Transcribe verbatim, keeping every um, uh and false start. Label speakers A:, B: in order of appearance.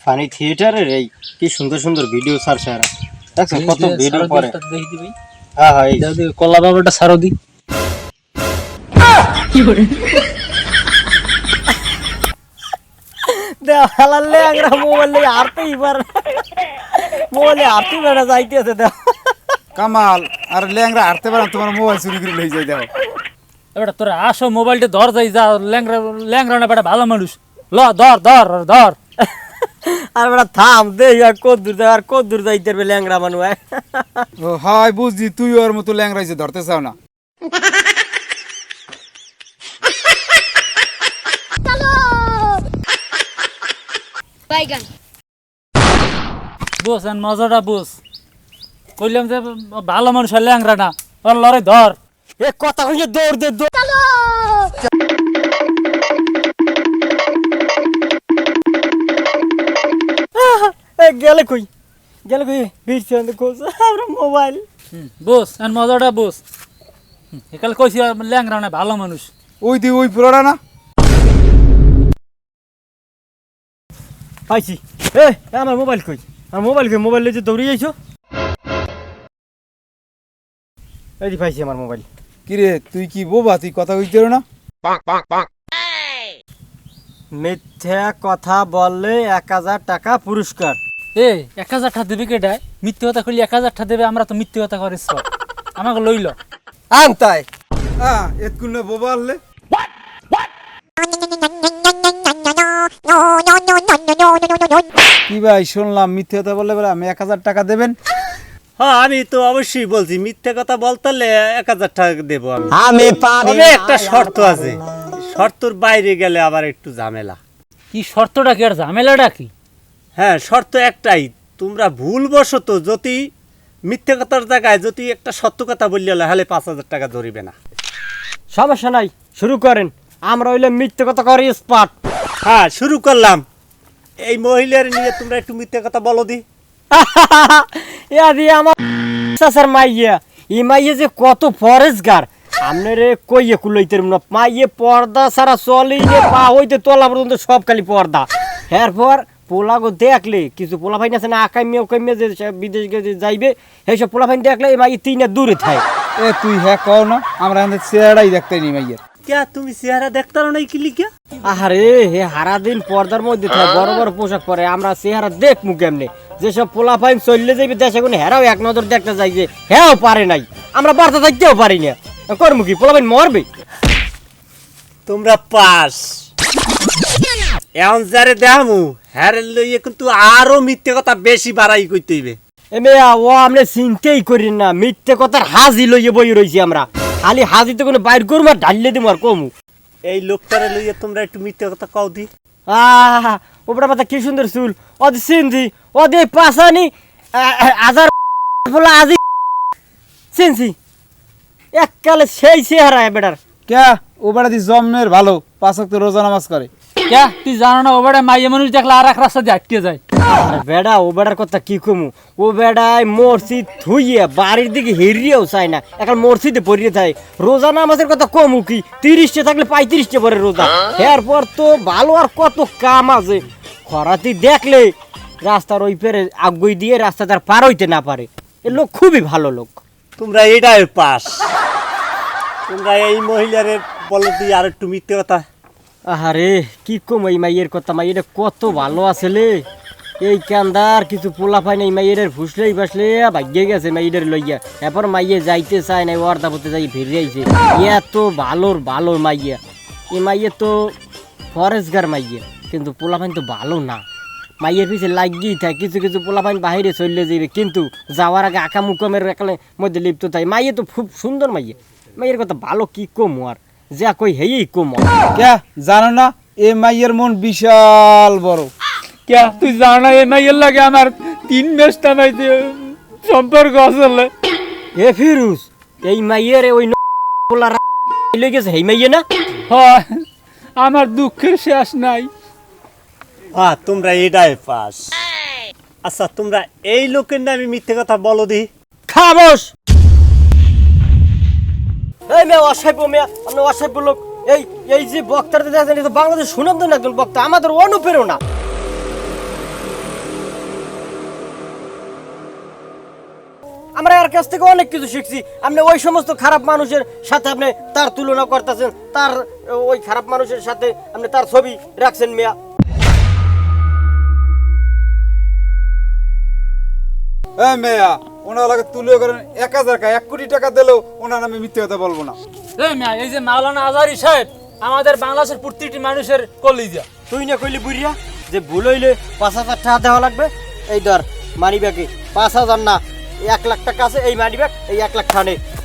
A: Funny থিয়েটারের এই কি সুন্দর সুন্দর ভিডিও স্যার স্যার দেখছেন কত ভিডিও করে
B: দেখি দি ভাই।
A: হ্যাঁ হ্যাঁ এই
B: দাও দি কলা বাবাটা সারো দি। কি করে
C: দে হালালে আগরা মোবাইলে আরতেই পার মোবাইলে আরতে বেড়া যাইতেছে দে
D: কামাল আর ল্যাংরা হাঁটতে পারেন তোমার মোবাইল চুরি করে লই যাই দেখো।
B: এবারে তোরা আসো মোবাইলটা ধর যাই যা ল্যাংরা ল্যাংরা না বেটা ভালো মানুষ ল ধর ধর ধর
C: আর বেড়া থাম দে আর কত দূর যাই আর কত দূর যাইতে পারবে ল্যাংরা মানুষ
D: ও হাই বুঝছি তুই ওর মতো ল্যাংরাইছে ধরতে চাও না।
E: বাইগান
B: বস আর মজাটা বস কইলাম যে ভালো মানুষ আর ল্যাংরা না ওর লড়াই ধর
C: এ কথা কইছে দৌড় দে দৌড় এ গেলে কই গেলে কই ভিড়ছে অন্ধ কোস আমরা মোবাইল
B: বস আর মজাটা বস একাল কইছি ল্যাংরা না ভালো মানুষ
D: ওই দি ওই পুরোটা না
C: পাইছি এ আমার মোবাইল কই আমার মোবাইল কই মোবাইল লইতে দৌড়ি যাইছো এই দি পাইছি আমার মোবাইল
D: কিরে তুই কি বোবা তুই কথা কইতে না?
C: মিথ্যা কথা বললে এক হাজার টাকা পুরস্কার
B: এ এক হাজার টাকা দেবে কেটায় মিথ্যে কথা কইলে এক হাজার টাকা দেবে আমরা তো মিথ্যে কথা করিস আমাকে লইল
C: আনতাই
D: হ্যাঁ এতক্ষণ না বোবা আনলে কি ভাই শুনলাম মিথ্যে কথা বললে বলে আমি এক হাজার টাকা দেবেন।
A: হ্যাঁ আমি তো অবশ্যই বলছি মিথ্যে কথা বলতে হলে এক হাজার টাকা দেবো আমি
C: আমি পারি
A: তবে একটা শর্ত আছে শর্তর বাইরে গেলে আবার একটু ঝামেলা।
B: কি শর্তটা কি আর ঝামেলাটা কি?
A: হ্যাঁ শর্ত একটাই তোমরা ভুলবশত যদি মিথ্যে কথার জায়গায় যদি একটা সত্য কথা বললে হলে পাঁচ হাজার টাকা ধরিবে না।
C: সমস্যা নাই শুরু করেন আমরা হইলে মিথ্যে কথা করি স্পট
A: হ্যাঁ শুরু করলাম এই মহিলার নিয়ে তোমরা একটু মিথ্যে কথা বলো দি।
C: ইয়া দিয়ে আমার চাচার মাইয়া ই মাইয়া যে কত ফরেস্টগার আপনারে কইয়ে কুলাইতে না মাইয়ে পর্দা সারা চলি যে পা হইতে তোলা পর্যন্ত সব খালি পর্দা এরপর পোলাগো দেখলে কিছু পোলা ফাইন আছে না আকাইমে ওকাইমে যে বিদেশ গেছে যাইবে সেইসব পোলা ফাইন দেখলে এই মাইয়ে তিনে দূরে থাকে।
D: এ তুই হ্যাঁ কও না আমরা আমাদের চেহারাই দেখতে নি মাইয়ের
A: কে তুমি চেহারা দেখতারো নাই কি লিখা?
C: আহারে হে হারা দিন পর্দার মধ্যে থাকে বড় বড় পোশাক পরে আমরা চেহারা দেখমু কেমনে যেসব পোলা ফাইন চললে যাইবে দেশে কোনো হেরাও এক নজর দেখতে যাই যে হ্যাঁ পারে নাই আমরা বার্তা থাকতেও পারি না করমু কি পোলা ফাইন মরবে।
A: তোমরা পাস এখন যারে দেখামু হ্যাঁ লইয়ে কিন্তু আরো মিথ্যে কথা বেশি বাড়াই কইতে হইবে।
C: এমে ও আমরা চিন্তাই করি না মিথ্যে কথার হাজি লইয়ে বই রইছি আমরা খালি হাজি তো কোনো বাইর করবো আর ঢাললে দিব আর কমু
A: এই লোকটারে লইয়ে তোমরা একটু মিথ্যে কথা কও দি।
C: আহ ওপরা পাতা কি সুন্দর চুল ওদি সিনজি ওদি পাশানি হাজার বলা আজি সিনজি এককালে সেই চেহারা বেটার
D: কে ও বেড়া দি জন্মের ভালো পাঁচ ওয়াক্ত রোজা নামাজ করে।
B: কে তুই জানো না ও বেটা মাইয়া মানুষ দেখলে আর এক রাস্তা দিয়ে আটকে যায়।
C: আরে বেড়া ও বেড়ার কথা কি কমু ও বেড়ায় মসজিদ থুইয়ে বাড়ির দিকে হেরিয়েও চায় না এখন মসজিদে পড়িয়ে থাকে রোজা নামাজের কথা কমু কি তিরিশটা থাকলে পঁয়ত্রিশটা পরে রোজা এরপর তো ভালো আর কত কাম আছে খরাতি দেখলে রাস্তার ওই পেরে আগুই দিয়ে রাস্তা তার পার হইতে না পারে এ লোক খুবই ভালো লোক।
A: তোমরা এটাই পাস তোমরা এই মহিলারে বলো দি আর একটু মিথ্যে কথা।
C: আহারে কি কম এই মাইয়ের কথা মাইয়ের কত ভালো আসলে এই কান্দার কিছু পোলা পাই না এই মাইয়ের ফুসলেই বাসলে ভাগ্যে গেছে মাইয়ের লইয়া এরপর মাইয়ে যাইতে চায় না ওয়ার্দা পড়তে যাই ফিরে আইছে এত ভালোর ভালো মাইয়া এই মাইয়ে তো ফরেস্টগার মাইয়া কিন্তু পোলা পাইন তো ভালো না মাইয়ের পিছে লাগিয়েই থাকে কিছু কিছু পোলা পাইন বাহিরে চলে যাইবে কিন্তু যাওয়ার আগে আঁকা মুকমের এখানে মধ্যে লিপ্ত থাকে মাইয়ে তো খুব সুন্দর মাইয়া মাইয়ের কথা ভালো কি কম আর যা কই হেই কম
D: কে জানো না এ মাইয়ের মন বিশাল বড়।
B: কে তুই জানো না এই মাইয়ের লাগে আমার তিন মাস টানাইতে সম্পর্ক আসলে।
C: এ ফিরুজ এই মাইয়ের ওই পোলা লই গেছে হেই মাইয়ে না
B: হয় আমার দুঃখের শেষ নাই।
A: হ্যাঁ তোমরা এটাই পাস। আচ্ছা তোমরা এই লোকের নামে মিথ্যে কথা বলো দি।
C: খামোশ এই মেয়ে অসাইব মেয়ে আপনি অসাইব লোক এই এই যে বক্তারা দেখেন এটা বাংলাদেশ সুনামধন্য একজন বক্তা আমাদের অনুপ্রেরণা আমরা এর কাছ থেকে অনেক কিছু শিখছি। আপনি ওই সমস্ত খারাপ মানুষের সাথে আপনি তার তুলনা করতেছেন, তার ওই খারাপ মানুষের সাথে আপনি তার ছবি রাখছেন মিয়া।
D: হ্যাঁ মেয়া, ওনার লাগে তুলে করেন এক হাজার টাকা, এক কোটি টাকা দিলেও ওনার আমি মিথ্যে কথা বলবো না।
B: এই মিয়া, এই যে মাওলানা আজহারী সাহেব আমাদের বাংলাদেশের প্রতিটি মানুষের কলিজা।
C: তুই না কইলি বুড়িয়া যে ভুল হইলে পাঁচ হাজার টাকা দেওয়া লাগবে? এই ধর মানি ব্যাগে পাঁচ হাজার না এক লাখ টাকা আছে, এই মানি ব্যাগ, এই এক লাখ টাকা নে।